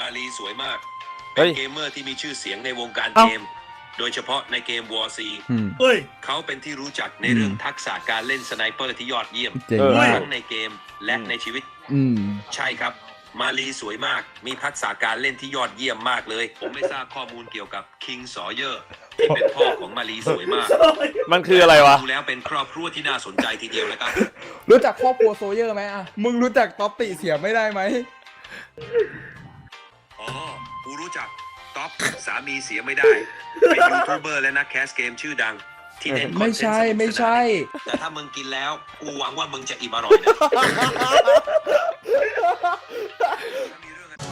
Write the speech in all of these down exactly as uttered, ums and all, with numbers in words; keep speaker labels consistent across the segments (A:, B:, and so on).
A: มาลีสวยมากเป็
B: เฮ้
A: น
B: ย
A: เกมเมอร์ที่มีชื่อเสียงในวงการ
B: เอ้า
A: เกม โดยเฉพาะในเกม วอร์ ซี
C: อืม
D: เฮ้ย
A: เขาเป็นที่รู้จักในเรื่องทักษะการเล่นสไนเปอร์ที่ยอดเยี่ยม
C: เจ๋ง
B: เออ
C: มาก
A: ทั้งในเกมและในชีวิต
C: อืม
A: ใช่ครับ มาลีสวยมาก มีทักษะการเล่นที่ยอดเยี่ยมมากเลย ผมไม่ทราบข้อมูลเกี่ยวกับคิงสอเยอร์ที่เป็นพ่อของมาลีสวยมาก
B: มันคืออะไรวะ
A: ดูแล้วเป็นครอบครัวที่น่าสนใจทีเดียวนะครับ
C: รู้จักครอบครัวโซเยอร์ไหมอ่ะ มึงรู้จักต๊อปติเสียไม่ได้ไหม
A: อ๋อ กูรู้จักท็อปสามีเสียไม่ได้ เป็นยูทูบเบอร์และนักแคสเกมชื่อดัง ที่เน้นคอน
C: ไม่
A: เทนต์
C: ใช่
A: สนุกสนาน
C: ไม่ใช่
A: แต่ถ้ามึงกินแล้ว กูหวังว่ามึงจะอิ่มอร่อยนะมีเรื่องอะไร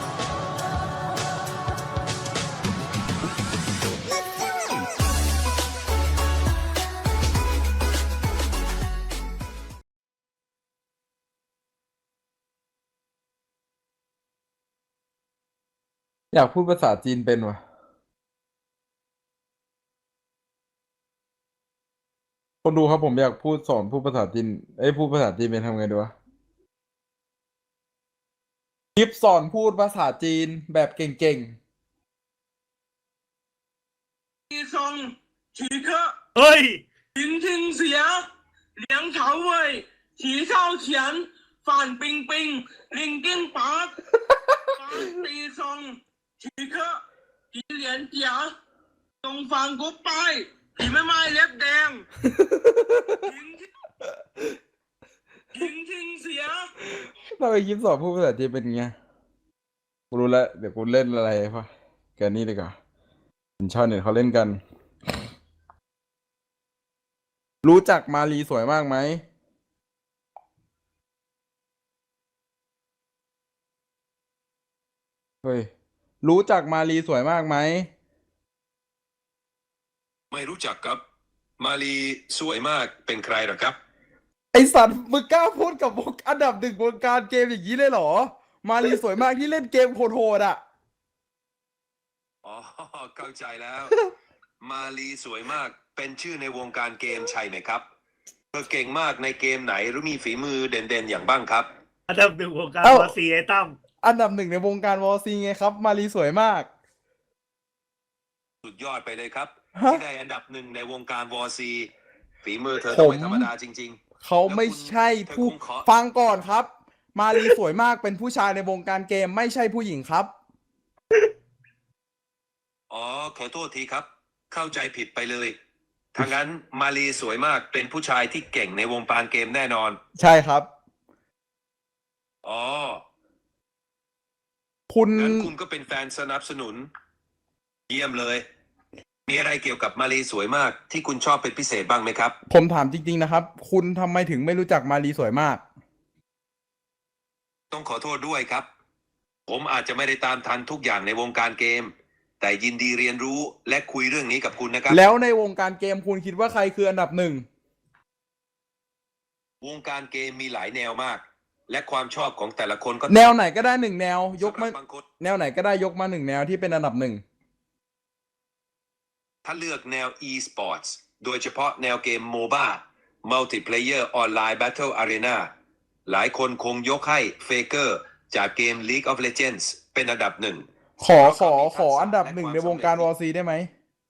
C: อยากพูดภาษาจีนเป็นวะคนดูครับผมอยากพูดสอนพูดภาษาจีนเอ้ยพูดภาษาจีนเป็นทำไงดีวะคลิปสอนพูดภาษาจีนแบบเก่ง
E: 一声体科
D: เฮ้ย
E: 聆听写梁朝伟齐少前范冰冰林根拔八一声体科一连甲东方กูไปผีไม่ไม้เล็บแดง听听听听เสีย
C: ๆถ้าไปคลิปสอนพูดภาษาจีนเป็นไงกูรู้แล้วเดี๋ยวกูเล่นอะไรปะกันนี่ดีกว่าเป็นชาวเน็ตเขาเล่นกัน รู้จักมาลีสวยมากไหมเฮ้ยรู้จักมาลีสวยมากไหม
A: ไม่รู้จักครับ มาลีสวยมากเป็นใครหรอครับ
C: ไอสัตว์มึงกล้าพูดกับวงอันดับหนึ่งวงการเกมอย่างนี้เลยเหรอ มาลีสวยมากที่เล่นเกมโหดๆอ่ะ
A: อ๋อ เข้าใจแล้ว มาลีสวยมากเป็นชื่อในวงการเกมใช่ไหมครับเธอเก่งมากในเกมไหนหรือมีฝีมือเด่นๆอย่างบ้างครับ
D: อันดับหนึ่งวงการ
C: เอ้า
D: วอซีไอ้ตั้ม
C: อันดับหนึ่งในวงการวอลซีไงครับ มาลีสวยมาก
A: สุดยอดไปเลยครับ
C: ฮะ
A: ที่ได้อันดับหนึ่งในวงการวอร์ซีฝีมือเธอต้องไม่ธรรมดาจริง
C: เขาไม่ใช่ผู้
A: แล้วคุณเธอคงขอ
C: ฟังก่อนครับ มาลีสวยมากเป็นผู้ชายในวงการเกมไม่ใช่ผู้หญิงครับ
A: ๆ อ๋อ ขอโทษทีครับ เข้าใจผิดไปเลยถ้างั้นมาลีสวยมากเป็นผู้ชายที่เก่งในวงการเกมแน่นอน
C: ใช่ครับ
A: อ๋อ
C: คุณ
A: งั้นคุณก็เป็นแฟนสนับสนุน เยี่ยมเลย มีอะไรเกี่ยวกับมาลีสวยมากที่คุณชอบเป็นพิเศษบ้างไหมครับ
C: ผมถามจริง ๆ นะครับ คุณทำไมถึงไม่รู้จักมาลีสวยมาก
A: ต้องขอโทษด้วยครับ ผมอาจจะไม่ได้ตามทันทุกอย่างในวงการเกม แต่ยินดีเรียนรู้และคุยเรื่องนี้กับคุณนะครับ
C: แล้วในวงการเกมคุณคิดว่าใครคืออันดับหนึ่ง
A: วงการเกมมีหลายแนวมาก และความชอบของแต่ละคนก็
C: แนวไหนก็ได้หนึ่งแนว ยกมา
A: สำหรับบางคน
C: แนวไหนก็ได้ยกมาหนึ่งแนวที่เป็นอันดับหนึ่ง
A: ถ้าเลือกแนว e-sports โดยเฉพาะแนวเกม โมบ้า Multiplayer Online Battle Arena หลายคนคงยกให้ Faker จากเกม League of Legends เป็นอันดับหนึ่ง
C: ขอขอขออันดับหนึ่งในวงการวอลซีได้ไหม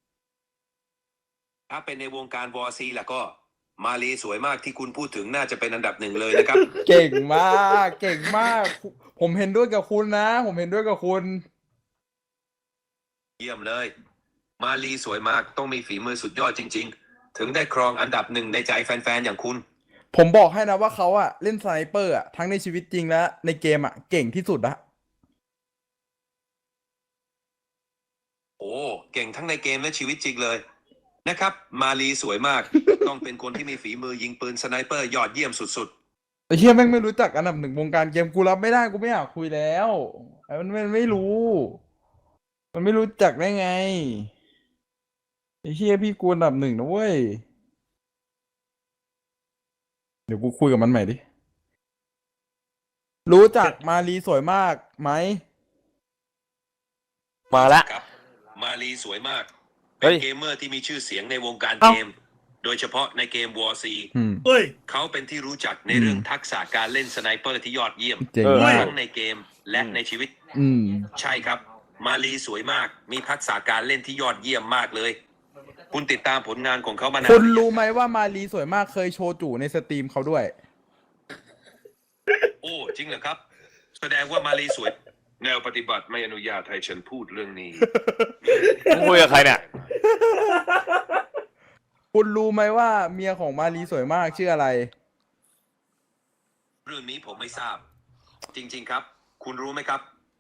A: ถ้าเป็นในวงการวอร์ซีแล้วก็มาลีสวยมากที่คุณพูดถึงน่าจะเป็นอันดับหนึ่งเลยนะครับ
C: เก่งมาก เก่งมาก ผมเห็นด้วยกับคุณนะ ผมเห็นด้วยกับคุณ
A: เยี่ยมเลย มาลีสวยมากต้องมีฝีมือสุดยอดจริง ๆ ถึงได้ครองอันดับหนึ่งในใจแฟนๆอย่างคุณ
C: ผมบอกให้นะว่าเขาอะเล่นสไนเปอร์อะทั้งในชีวิตจริงและในเกมอะเก่งที่สุดละ
A: โอ้เก่งทั้งในเกมและชีวิตจริงเลยนะครับ มาลีสวยมาก ต้องเป็นคนที่มีฝีมือยิงปืนสไนเปอร์ยอดเยี่ยมสุด
C: ไอ้เชี่ยแม่งไม่รู้จักอันดับหนึ่งวงการเกมกูรับไม่ได้กูไม่อยากคุยแล้วไอ้มันมันไม่รู้ มันไม่รู้จักได้ไงไอ้เชี่ยพี่กูอันดับหนึ่งนะเว้ยเดี๋ยวกูคุยกับมันใหม่ดิรู้จักมาลีสวยมากไหม
B: มาละ
A: ๆครับ มาลีสวยมาก
B: เฮ้
A: เป็น
B: ย
A: เกมเมอร์ที่มีชื่อเสียงในวงการ
B: เอ้า
A: เกม โดยเฉพาะในเกม วอร์ ซี
C: อืม
D: เฮ้ย
A: เขาเป็นที่รู้จักในเรื่องทักษะการเล่นสไนเปอร์ที่ยอดเยี่ยม
C: เจ๋ง
B: เออ
C: มาก
A: ทั้งในเกมและในชีวิต
C: อืม
A: ใช่ครับ มาลีสวยมาก มีทักษะการเล่นที่ยอดเยี่ยมมากเลย คุณติดตามผลงานของเขามานาน
C: คุณ
A: หอ
C: รู้
A: ยัง
C: ไหมว่ามาลีสวยมากเคยโชว์จู่ในสตรีมเขาด้วย
A: โอ้จริงเหรอครับ แสดงว่ามาลีสวย แนวปฏิบัติไม่อนุญาตให้ฉันพูดเรื่องนี้
B: มึงคุยกับใครเนี่ย
C: คุณรู้ไหมว่าเมียของมาลีสวยมากชื่ออะไร
A: เรื่องนี้ผมไม่ทราบ จริง ๆ ครับ คุณรู้ไหมครับ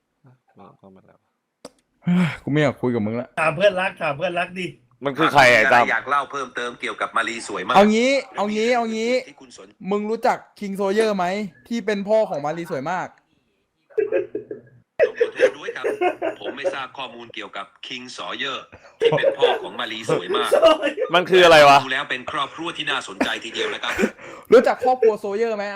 C: กูไม่อยากคุยกับมึงละ
D: ถามเพื่อนรักถามเพื่อนรักดิ
B: มันคือใครไอ้
A: มี
B: ตั้ม
A: อยากเล่าเพิ่มเติมเกี่ยวกับมาลีสวยมาก
C: เอางี้ เอางี้ เอางี้
A: ที่คุณสน
C: มึงรู้จักคิงโซเยอร์ไหมที่เป็นพ่อของมาลีสวยมาก
A: ต้องขอโทษด้วยครับ ผมไม่ทราบข้อมูลเกี่ยวกับคิงสอเยอร์ที่เป็นพ่อของมาลีสวยมาก
B: มันคืออะไรวะ
A: ดูแล้วเป็นครอบครัวที่น่าสนใจทีเดียวนะครับ
C: รู้จักครอบครัวโซเยอร์ไหมอะ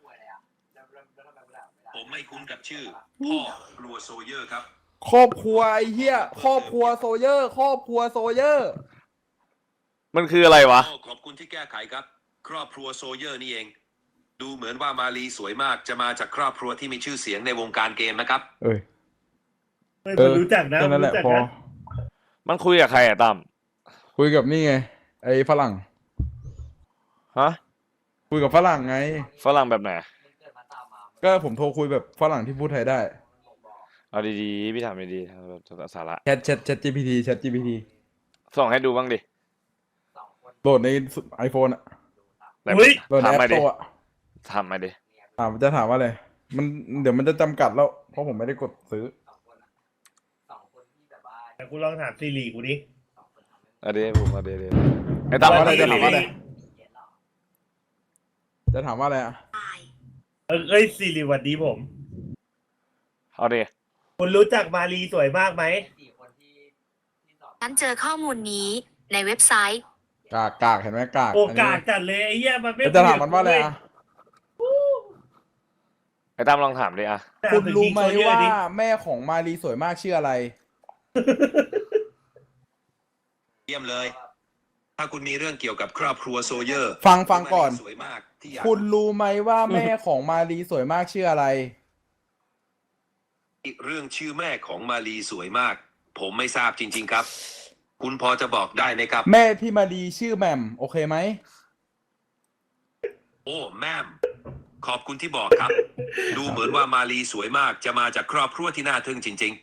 A: ผมไม่คุ้นกับชื่อ พ่อครัวโซเยอร์ครับ
C: ครอบครัวไอ้เหี้ยครอบครัวโซเยอร์ ครอบครัวโซเยอร์
B: มันคืออะไรวะ
A: โอ้ขอบคุณที่แก้ไขครับ ครอบครัวโซเยอร์นี่เอง ดูเหมือนว่ามาลีสวยมากจะมาจากครอบครัวที่มีชื่อเสียงในวงการเกมนะครับ
C: เอ้ย
D: เฮ้ย
C: เอ
D: มึง
C: อ
D: รู้จักนะ
C: แค่นั้นแหละ
D: รู้จัก
C: พอ
D: นะ
B: มันคุยกับใครอะตั้ม
C: คุยกับนี่ไง ไอ้ฝรั่ง
B: ฮะ
C: คุยกับฝรั่งไง
B: ฝรั่งแบบไหน
C: ก็ผมโทรคุยแบบฝรั่งที่พูดไทยได้
B: เอาดีๆ พี่ถามดีๆแบบสาระ
C: แชทแชทแชท จี พี ที แชท จี พี ที
B: ส่งให้ดูบ้างดิ
C: โหลดในไอโฟนอะ
B: ไหน
D: เฮ้ย
C: โหลดใน
B: ถาม
C: แอป
B: มา
C: โต
B: ดิ
C: อะ
B: ทำมาดิ
C: ถามจะถามว่าอะไร มันเดี๋ยวมันจะจำกัดแล้ว เพราะผมไม่ได้กดซื้อ
D: แต่กูลองถามซีรีกูดิ
B: เอาดิผมเอาดิเดี๋ยวไอ้ตั้ม
C: ว่า
B: เอา
C: อะไร
B: ดิ
C: จะถามว่าอะไร
D: ดิ
C: จะถามว่าอะไรอะ
D: เออเอ้ยซีรีสวัสดีผม
B: เอาดิ
D: คุณรู้จักมาลีสวยมากไหม
F: ฉันเจอข้อมูลนี้ในเว็บไซต์
C: กากกากเห็นไหมกาก
D: โอกาสจัดเลยไอ้เหี้ยมันไม่
C: แล้วจะถามมันว่าอะไรอะ
B: ไอ้ตั้มลองถามดิอะ
D: ถา
C: คุณ
D: ถึง
C: รู้
D: King
C: ไหม
D: Soldier
C: ว่า
D: ดิ
C: แม่ของมาลีสวยมากชื่ออะไร
A: เยี่ยมเลย ถ้าคุณมีเรื่องเกี่ยวกับครอบครัวโซเยอร์
C: ฟังฟังก่อน
A: สวยมากที่อยาก
C: คุณรู้ไหมว่าแม่ของมาลีสวยมากชื่ออะไร
A: เรื่องชื่อแม่ของมาลีสวยมาก ผมไม่ทราบจริง ๆครับ คุณพอจะบอกได้ไหมครับ
C: แม่พี่มาลีชื่อแหม่มโอเคไหม
A: โอ้แม่ม ขอบคุณที่บอกครับ ดูเหมือนว่ามาลีสวยมากจะมาจากครอบครัวที่น่าทึ่งจริง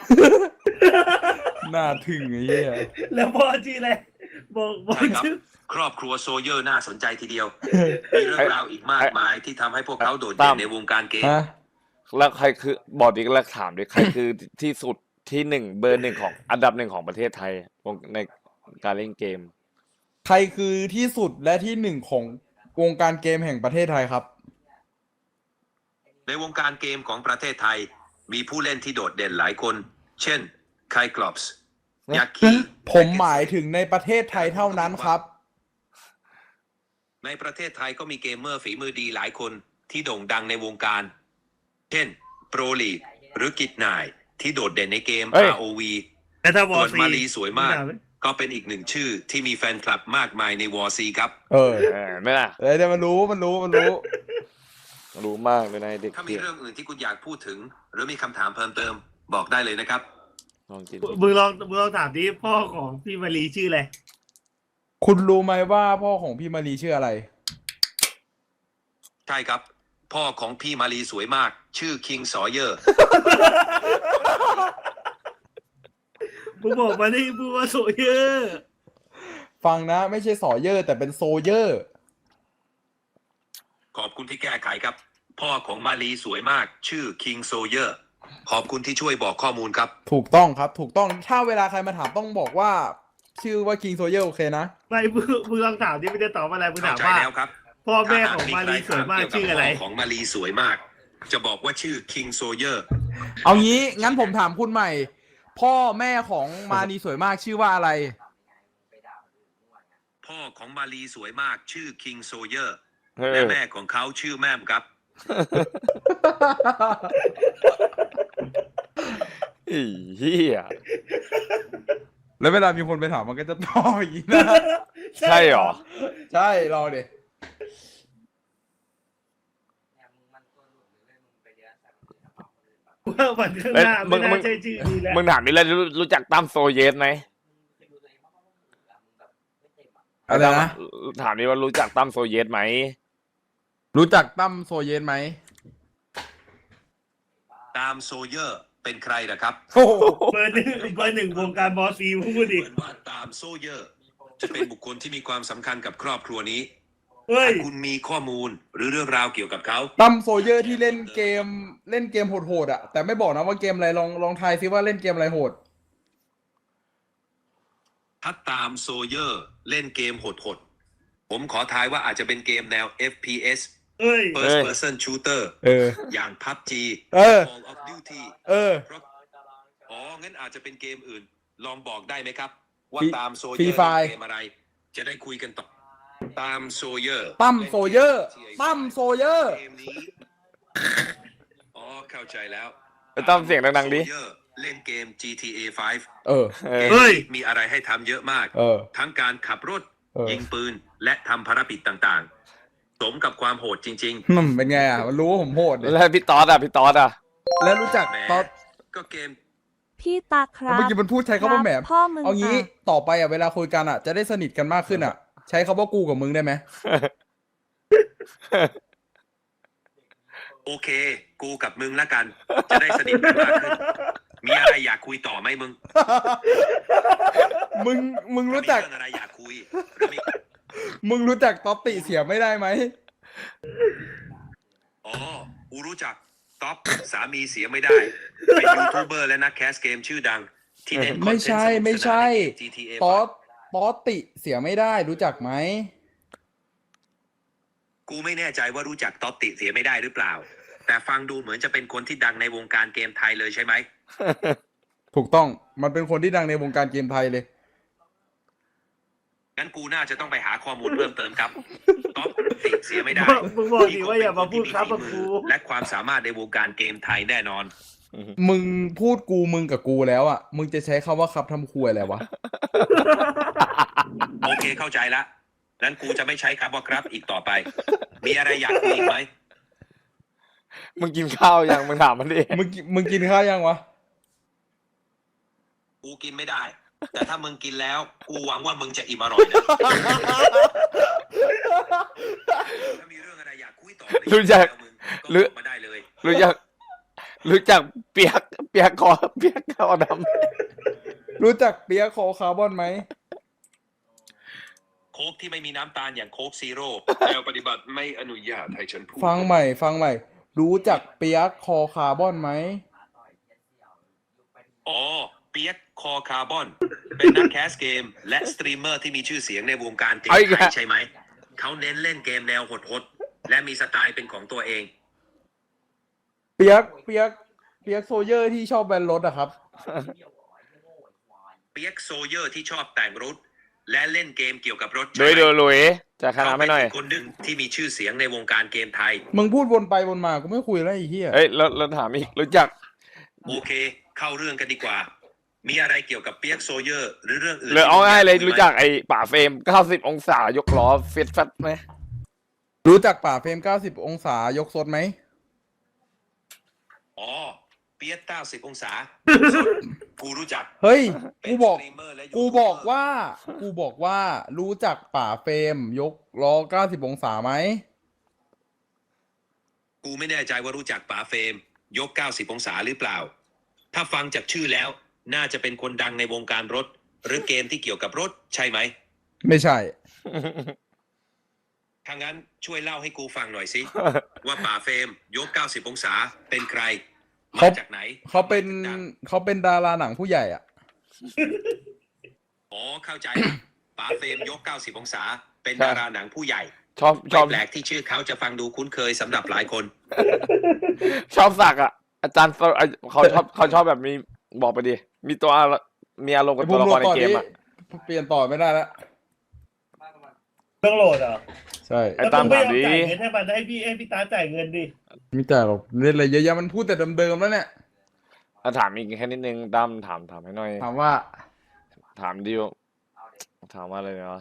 C: น่าทึ่งไอ้เหี้ย
D: แล้วพ่อชื่ออะไรบอกบ
A: ๆ
D: อก
A: ใช่ครับ
D: ชื่อ
A: ครอบครัวโซเยอร์น่าสนใจทีเดียว มีเรื่องราวอีกมากมายที่ทำให้พวกเขาโดดเด่นในวงการเกม
C: ฮะ
B: แล้วใครคือบอกดิแล้วถามดิใครคือที่สุดที่หนึ่งเบอร์หนึ่งของอันดับหนึ่งของประเทศไทยวงในการเล่นเกม
C: ใครคือที่สุดและที่หนึ่งของวงการเกมแห่งประเทศไทยครับ
A: ในวงการเกมของประเทศไทย มีผู้เล่นที่โดดเด่นหลายคน เช่นไคคลอปส์ยักคี
C: ผมหมายถึงในประเทศไทยเท่านั้นครับ
A: ในประเทศไทยก็มีเกมเมอร์ฝีมือดีหลายคนที่โด่งดังในวงการ เช่นโปรลีกหรือกิจนายที่โดดเด่นในเกม
B: เฮ้ย
A: อาร์ โอ วี
D: แต่ถ้าวอ
A: ส่วน
D: ซี
A: มาลีสวยมาก ก็เป็นอีกหนึ่งชื่อที่มีแฟนคลับมากมายในวอร์ซีครับ
C: เออ
B: เออไม่ล่ะ
C: เดี๋ยวเดี๋ยวมันรู้มันรู้มันรู้
B: รู้มากเลยนะไอ้เด็ก
A: ถ้ามี
B: เกีย
A: เรื่องอื่นที่คุณอยากพูดถึง หรือมีคำถามเพิ่มเติมบอกได้เลยนะครับ
B: ลองกิน
D: มึงลองมึงลองถามดิพ่อของพี่มาลีชื่ออะไร
C: คุณรู้ไหมว่าพ่อของพี่มารีชื่ออะไร
A: ใช่ครับ พ่อของพี่มาลีสวยมาก ชื่อคิงสอเยอร์
D: มึงบอกมาดิมึงว่าโซเยอร์
C: ฟังนะไม่ใช่สอเยอร์ แต่เป็นโซเยอร์
A: ขอบคุณที่แก้ไขครับ พ่อของมาลีสวยมาก ชื่อคิงโซเยอร์ ขอบคุณที่ช่วยบอกข้อมูลครับ
C: ถูกต้องครับ ถูกต้องถ้าเวลาใครมาถามต้องบอกว่า ชื่อว่าคิงโซเยอร์โอเคนะ
D: ไม่มึงมึงลองถามดิมึงจะตอบอะไรมึง
A: เข้า
D: ถาม
A: ใจ
D: ว่า
A: แล้วครับ
D: พ่อแม่ของมาลีสวยมากชื่ออะไร
A: ของมาลีสวยมาก จะบอกว่าชื่อคิงโซเยอร์
C: เอางี้งั้นผมถามคุณใหม่ พ่อแม่ของมารีสวยมากชื่อว่าอะไร
A: พ่อของมาลีสวยมากชื่อคิงโซเยอร์
B: เอ
A: และ
B: อ
A: แม่ของเขาชื่อแม่มครับ
B: ไอ้เหี้ย
C: แล้วเวลามีคนไปถามมันก็จะตอบอย่างนี้นะ
B: ใช่เหรอ
C: ใช่รอเด็
D: กว่าวันข้างห
B: เอ้ย
D: น้า
B: มึ
D: ไม่
B: งมึ
D: น่าง ใช่ชื่อนี้แล้ว
B: มึงถามนี่แล้วรู้รู้จักตั้มโซเยสไหม
C: อะไรนะ
B: ถามนี่ว่ารู้จักตั้มโซเยสไหม
C: รู้จักตั้มโซเยนไหม
A: ตามโซเยอร์เป็นใครนะครับ
C: โอ้โห
D: เบอร์หนึ่งเบอร์หนึ่งวงการบอสซีพูดดิ
A: เหมือนว่าตามโซเยอร์ จะเป็นบุคคลที่มีความสำคัญกับครอบครัวนี้
D: เฮ้ย
A: ถ้าคุณมีข้อมูลหรือเรื่องราวเกี่ยวกับเขา
C: ตั้มโซเยอร์ที่เล่นเกมเล่นเกมโหดๆอ่ะแต่ไม่บอกนะว่าเกมอะไรลองลองทายซิว่าเล่นเกมอะไรโหด
A: ถ้าตามโซเยอร์เล่นเกมโหดๆผมขอทายว่าอาจจะเป็นเกมแนว เอฟ พี เอส
D: เฮ้ย
A: First Person Shooter
C: เออ
A: อย่าง พับจี
C: เออ
A: Call of Duty
C: เออ
A: เพราะอ๋อ งั้นอาจจะเป็นเกมอื่น ลองบอกได้ไหมครับ ว่า
C: ฟรี
A: ตามโซเย
C: ฟรี
A: อร์
C: ไฟ
A: เล่นเกมอะไร จะได้คุยกันต่อ ตามโซเยอร์
C: ตั้มโซเยอร์ตั้มโซเยอร์
A: เกมนี้อ๋อ เข้าใจแล้ว
B: ไอ้ตั้มเสียงดังๆดิ
A: โซเยอร์เล่นเกม จี ที เอ ไฟว์
C: เออ
B: เออ
A: เกม
D: เฮ้ย
A: นี้มีอะไรให้ทำเยอะมาก
C: เออ
A: ทั้งการขับรถ
C: เออ
A: ยิงปืน และทำภารกิจต่างๆ สมกับความโหดจริง
C: อืมเป็นไงอ่ะมันรู้ว่าผมโหดเนี่ย
B: แล้วพี่ต๊อดอ่ะพี่ต๊อดอ่ะ
C: แล้วรู้จัก
A: ๆแหม
C: ตอน
A: ก็เกม
G: พี่ตาครับ
C: เมื่อกี้มันพูดใช้คำว่าแหม
G: ครับพ่อมึง
C: เอางี้
G: อ่ะ
C: ต่อไปอ่ะเวลาคุยกันอ่ะจะได้สนิทกันมากขึ้นอ่ะ ใช้คำว่ากูกับมึงได้ไหม
A: โอเค กูกับมึงละกัน จะได้สนิทกันมากขึ้น มีอะไรอยากคุยต่อไหมมึง
C: มึงมึงรู้จัก
A: มีเรื่องอะไรอยากคุยหรือมี
C: มึงรู้จักต๊อปติเสียไม่ได้ไหม
A: อ๋อ กูรู้จักท็อปสามีเสียไม่ได้ เป็นยูทูบเบอร์และนักแคสเกมชื่อดัง ที่เน้นคอน
C: ไม่
A: เทนต์
C: ใช่
A: สนุกสนาน
C: ไม่ใช่
A: ในเกม จี ที เอ
C: ต๊อปต๊อปติเสียไม่ได้รู้จักไหม
A: กูไม่แน่ใจว่ารู้จักท็อปติเสียไม่ได้หรือเปล่า แต่ฟังดูเหมือนจะเป็นคนที่ดังในวงการเกมไทยเลยใช่ไหม
C: ถูกต้องมันเป็นคนที่ดังในวงการเกมไทยเลย
A: งั้นกูน่าจะต้องไปหาข้อมูลเพิ่มเติมครับท็อปติเสียไม่ได้
D: มึงบอกดิว่าอย่ามาพูดครับกับกู
A: และความสามารถในวงการเกมไทยแน่นอน
C: มึงพูดกูมึงกับกูแล้วอ่ะ มึงจะใช้คำว่าครับทำครัวอะไรวะ
A: โอเคเข้าใจละงั้นกูจะไม่ใช้คำว่าครับอีกต่อไป มีอะไรอยากคุยอีกไหม
B: มึงกินข้าวยังมึงถามมันดิ
C: มึงกิมึงกินข้าวยังวะ
A: กูกินไม่ได้ แต่ถ้ามึงกินแล้ว กูหวังว่ามึงจะอิ่มอร่อยนะถ้ามีเรื่องอะไรอยากคุยต่อ
B: รู้จัก
A: มึงก็
B: รู้
A: บอกมาได้เลย
B: รู้จัก รู้จักเปียกเปียกคอเปียกคอด
C: รู้จักเปียกโคคาร์บอนไหม
A: โค้กที่ไม่มีน้ำตาลอย่างโค้กซีโร่แนวปฏิบัติไม่อนุญาตให้ฉันพูด
C: ฟังใหม่ฟังใหม่ รู้จักเปียกคอคาร์บอนไหม
A: อ๋อ เปียกคอคาร์บอน เป็นนักแคสเกม และสตรีมเมอร์ที่มีชื่อเสียงในวงการเกมไทยใช่ไหม เขาเน้นเล่นเกมแนวโหดๆและมีสไตล์เป็นของตัวเอง
C: เปียกเปียกเปียกโซเยอร์ที่ชอบแบนรถอะครับ
A: เปียกโซเยอร์ที่ชอบแต่งรถ และเล่นเกมเกี่ยวกับรถ
B: ำลุยดูลุยจะคณะ
A: เขา
B: ไม่
A: เป็น
B: หน่อย
A: อีกคนหนึ่งที่มีชื่อเสียงในวงการเกมไทย
C: มึงพูดวนไปวนมากูไม่คุยแล้วไอ้เหี้ย
B: เอ้ยแล้วแล้วถามอีกรู้จัก
A: โอเค เข้าเรื่องกันดีกว่า มีอะไรเกี่ยวกับเปียกโซเยอร์หรือเรื่องอื่น
B: เลยเอาง่ายเลย
A: ที่
B: รู้จักไอ้ป่าเฟรมเก้าสิบองศายกล้อเฟสฟัดไหม
C: รู้จักป่าเฟรมเก้าสิบองศายกซดไหม
A: อ๋อ เปียกเก้าสิบองศา กูรู้จัก
C: เฮ้ย
A: เป็น
C: กูบอก
A: สตรีมเมอร์และ
C: กู
A: ยูทูเร์
C: บอกว่า กูบอกว่ารู้จักป่าเฟรมยกล้อเก้าสิบองศาไหม
A: กูไม่แน่ใจว่ารู้จักป๋าเฟรมยกเก้าสิบองศาหรือเปล่า ถ้าฟังจากชื่อแล้ว น่าจะเป็นคนดังในวงการรถ หรือเกมที่เกี่ยวกับรถใช่ไหม
C: ไม่ใช่
A: ถ้างั้นช่วยเล่าให้กูฟังหน่อยสิ ว่าป๋าเฟรมยกเก้าสิบองศาเป็นใคร
C: เขา
A: มาจากไหน
C: เขาเป็น
A: ทำไมถึงดัง
C: เขาเป็นดาราหนังผู้ใหญ่อ่ะ
A: อ๋อเข้าใจละป๋าเฟรมยกเก้าสิบองศา เป็นดาราหนังผู้ใหญ่
B: ชอบช
A: ไม่
B: อบ
A: แปลกที่ชื่อเขาจะฟังดูคุ้นเคยสำหรับหลายคน
B: ชอบสักอ่ะ อาจารย์เขาชอบเขาชอบแบบมีบอกไปดิ มีตัวมีอารมณ์กับตัวละครในเกมอ่ะ
C: เปลี่ยนต่อไม่ได้แล้ว
D: ต้องโหลดเหรอ
C: ใช่
B: ไอ้ตาม
D: แล้ว
B: ถาม
D: ง
B: ดิ
D: ไม่ยอจ่ายเงินให้มันให้พี่ให้พี่ตาจ่ายเงินดิ
C: ไม่จ่ายหรอกเล่นอะไรเยอะแยะมันพูดแต่เดิมๆแล้วเนี่ย
B: อ่ะถามอีกแค่นิดนึงตั้มถามถามให้หน่อย
C: ถามว่า
B: ถามดิวถามว่าอะไรเนี่ยวะ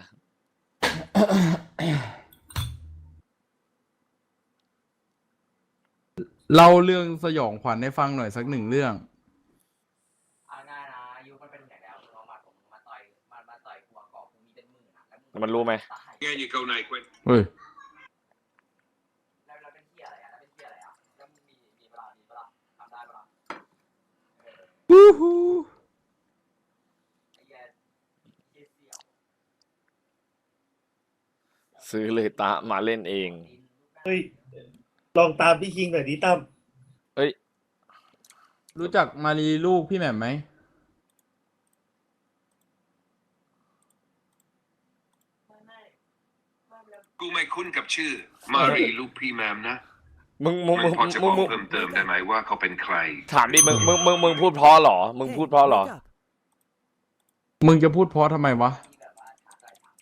C: เล่าเรื่องสยองขวัญให้ฟังหน่อยสักหนึ่งเรื่อง
G: เอาง่ายนะอายุมันเป็นอย่างแล้วมึงเอามาผมมาต่อยมามาต่อยหัวกอกกูมีเป็นหมื่นอะแล้วมึง
B: มันรู้ไหม
G: ตาย
A: Nghe như câu này quen.
C: เฮ้ย
G: แล้วเราเป็นเหี้ยอะไรอะแล้วเป็นเหี้ยอะไรอะแล้วมึงมีมีเวลามีเวลาทำได้เวลาเออ
C: วู้ฮู้
G: ไอ้เหี้ยเหี้ยเสี่ยว
B: ซื้อเลยตามาเล่นเอง
D: เฮ้ย ลองตามพี่คิงหน่อยดิตั้ม
B: เอ้ย
C: รู้จักมารีลูกพี่แหม่มไหม
A: กูไม่คุ้นกับชื่อ มารีลูกพี่แมมนะ
B: มึงมึง
A: มึ
B: มึ
A: ง
B: ง
A: พอจะบ
B: มึ
A: อง ก
B: มึง
A: เพิ่มเติมได้ไหมว่าเขาเป็นใคร
B: ถามดิมึงมึงมึงมึงพูดเพราะเหรอ มึงพูดเพราะเหรอ
C: มึงจะพูดเพราะทำไมวะ
G: ที่แบบว่าท้าต่อยถาม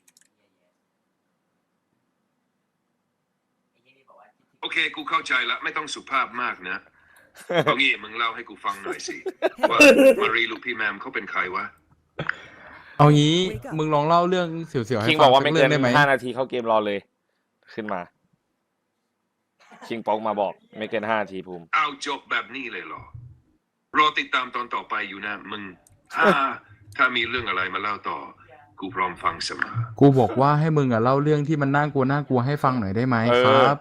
G: เหี้ยๆไอ้เหี้ยนี่บอกว่าที่ที่
A: โอเค กูเข้าใจละไม่ต้องสุภาพมากนะ เอางี้มึงเล่าให้กูฟังหน่อยสิ ว่ามารีลูกพี่แมมเขาเป็นใครวะ
C: เอางี้มึงลองเล่าเรื่องเสียวๆให้
B: คิง
C: ฟั
B: บอง กว่า
C: สั
B: ไม่
C: ก
B: เกิ
C: เรื่อน งได้ไหม
B: ห้านาทีเข้าเกมรอเลย ขึ้นมา คิงป๊อกมาบอก ไม่เกินห้านาทีภูมิ
A: เอาจบแบบนี้เลยเหรอ รอติดตามตอนต่อไปอยู่นะ มึง ถ้าถ้ามีเรื่องอะไรมาเล่าต่อ กูพร้อมฟังเสมอ
C: กูบอกว่าให้มึงอ่ะเล่าเรื่องที่มันน่ากลัวน่ากลัวให้ฟังหน่อยได้ไหม
B: เออ
C: ครับ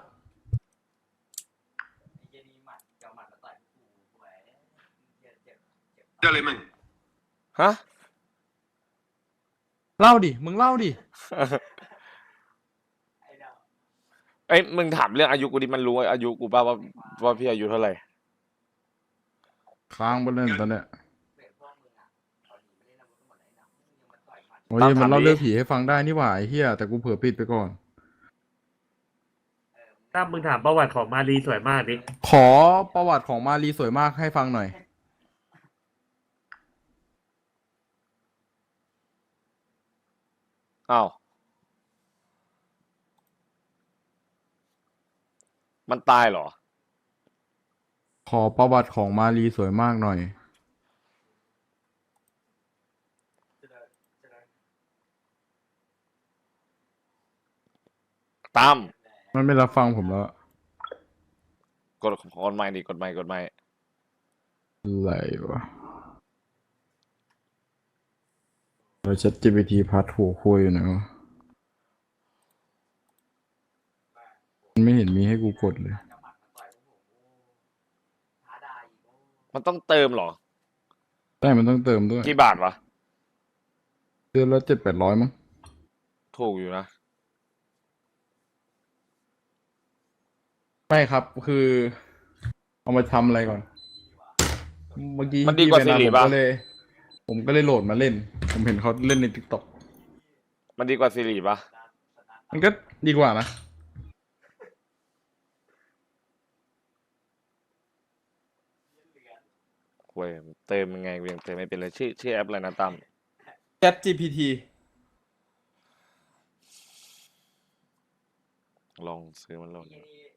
G: ไอ้เหี้ยนี่หมัดจะเอาหมัดมาต่อยกูหวยเหี้ยเจ็บเจ็บ
A: ได้เลยมึง
B: ฮะ
C: เล่าดิ มึงเล่าดิ
G: ไอ้เดา
B: เอ้ยมึงถามเรื่องอายุกูดิมันรู้อายุกูป่ะว่าว่าพี่อายุเท่าไหร่
C: ค้างไปเล่นตอนเนี้ย
G: เบรกพวกมึงอะตอนนี้ไม่ได้นำกันหมดเลยนะมึงยังมาต่อยหมัด
C: โอ้ย
B: ตาม
C: มัน
B: ถาม
C: เล่า
B: ดิ
C: เรื่องผีให้ฟังได้นี่หว่าไอ้เหี้ยแต่กูเผลอปิดไปก่อน
G: เออมึง
D: ตั้มมึงถามประวัติของมารีสวยมากดิ
C: ขอประวัติของมารีสวยมากให้ฟังหน่อย
B: อ้าว มันตายเหรอ
C: ขอประวัติของมารีสวยมากหน่อย
B: ตั้ม
C: มันไม่รับฟังผมแล้ว
B: กดกดไมค์ดิกดไมค์กดไมค์
C: อะไรวะเรา Chat จี พี ที พาร์ทหัวคุยอยู่ไหนวะมันไม่เห็นมีให้กูกดเลย
G: จะหมัดมาต่อยพวกผมโอ้ท้าได้อีกโอ้
B: มันต้องเติมเหรอ
C: ได้มันต้องเติมด้วย
B: กี่บาทวะ
C: เดือนละเจ็ดแปดร้อยมั้ง
B: ถูกอยู่นะ
C: ไม่ครับ คือ เอามาทำอะไรก่อน เมื่อกี้
B: มันดีกว่า
C: พี่ไป
B: สิริ
C: ผม
B: ปะ
C: ก็เลย ผมก็เลยโหลดมาเล่น ผมเห็นเขาเล่นในทิกตอก
B: มันดีกว่าซีรีส์ปะ
C: มันก็ดีกว่านะ
B: เว้ยเติมยังไงกูยังเติมไม่เป็นเลยชื่อชื่อแอปอะไรนะตั้ม
C: Chat จี พี ที
B: ลองซื้อมันโหลด
G: เหี้ยนี่